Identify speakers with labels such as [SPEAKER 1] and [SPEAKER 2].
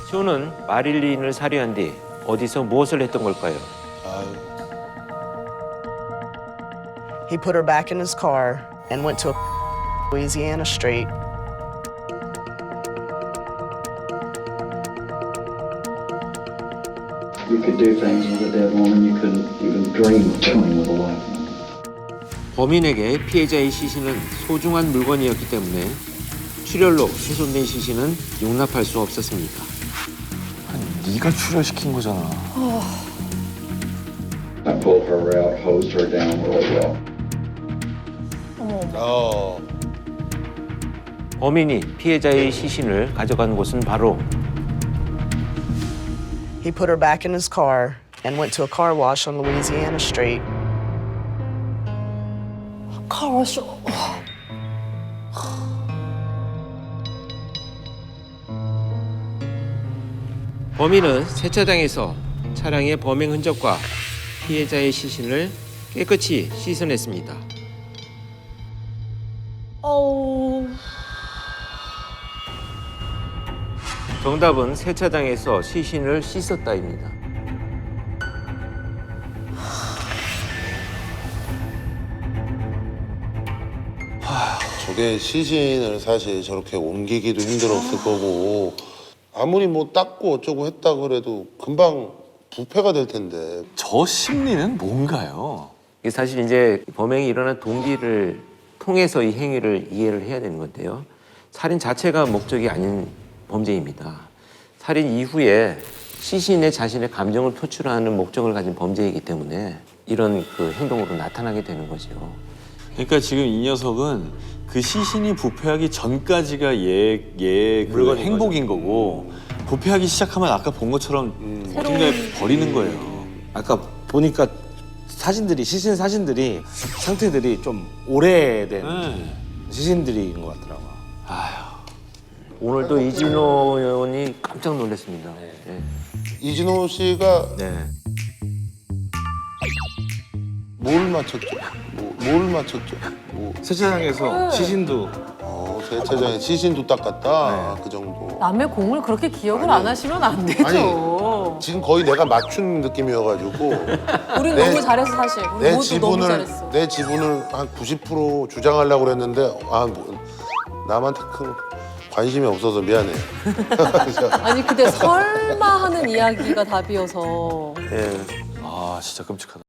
[SPEAKER 1] 쇼는 마릴린을 살해한 뒤 어디서 무엇을 했던 걸까요?
[SPEAKER 2] He put her back in his car and went to a Louisiana street.
[SPEAKER 3] You could do things with a dead woman you couldn't even dream of doing with a live one.
[SPEAKER 1] 범인에게 피해자의 시신은 소중한 물건이었기 때문에 출혈로 훼손된 시신은 용납할 수 없었습니다.
[SPEAKER 4] 아니, 네가 출혈시킨 거잖아.
[SPEAKER 3] I pulled her out, hosed her down really well.
[SPEAKER 1] 범인이 피해자의 시신을 가져간 곳은 바로
[SPEAKER 2] He put her back in his car and went to a car wash on Louisiana street.
[SPEAKER 5] 카와쇼.
[SPEAKER 1] 범인은 세차장에서 차량의 범행 흔적과 피해자의 시신을 깨끗이 씻어냈습니다.
[SPEAKER 5] 어우.
[SPEAKER 1] 정답은 세차장에서 시신을 씻었다입니다.
[SPEAKER 6] 저게 시신을 사실 저렇게 옮기기도 힘들었을 거고 아무리 뭐 닦고 어쩌고 했다 그래도 금방 부패가 될 텐데.
[SPEAKER 4] 저 심리는 뭔가요?
[SPEAKER 1] 이게 사실 이제 범행이 일어난 동기를 통해서 이 행위를 이해를 해야 되는 건데요. 살인 자체가 목적이 아닌 범죄입니다. 살인 이후에 시신에 자신의 감정을 표출하는 목적을 가진 범죄이기 때문에 이런 그 행동으로 나타나게 되는 거죠.
[SPEAKER 4] 그러니까 지금 이 녀석은 그 시신이 부패하기 전까지가 그
[SPEAKER 1] 물건인
[SPEAKER 4] 행복인 거고 부패하기 시작하면 아까 본 것처럼 어딘가에 버리는 거예요.
[SPEAKER 7] 아까 보니까 사진들이 시신 사진들이 상태들이 좀 오래된 시신들인 것 같더라고요.
[SPEAKER 1] 오늘도 이진호 의원이 깜짝 놀랐습니다. 네.
[SPEAKER 6] 이진호 씨가
[SPEAKER 1] 네.
[SPEAKER 6] 뭘 맞췄죠? 뭘 맞췄죠?
[SPEAKER 7] 세차장에서 시신도
[SPEAKER 6] 세차장에 시신도 닦았다. 그 정도.
[SPEAKER 5] 남의 공을 그렇게 기억을 안 하시면 안 되죠.
[SPEAKER 6] 지금 거의 내가 맞춘 느낌이어가지고
[SPEAKER 5] 우린
[SPEAKER 6] 내-
[SPEAKER 5] 너무 잘했어 사실. 우리 모두 너무 잘했어.
[SPEAKER 6] 내 지분을 한 90% 주장하려고 그랬는데 남한테 큰 관심이 없어서 미안해.
[SPEAKER 5] 아니 근데 설마 하는 이야기가 답이어서.
[SPEAKER 1] 네.
[SPEAKER 4] 아 진짜 끔찍하다.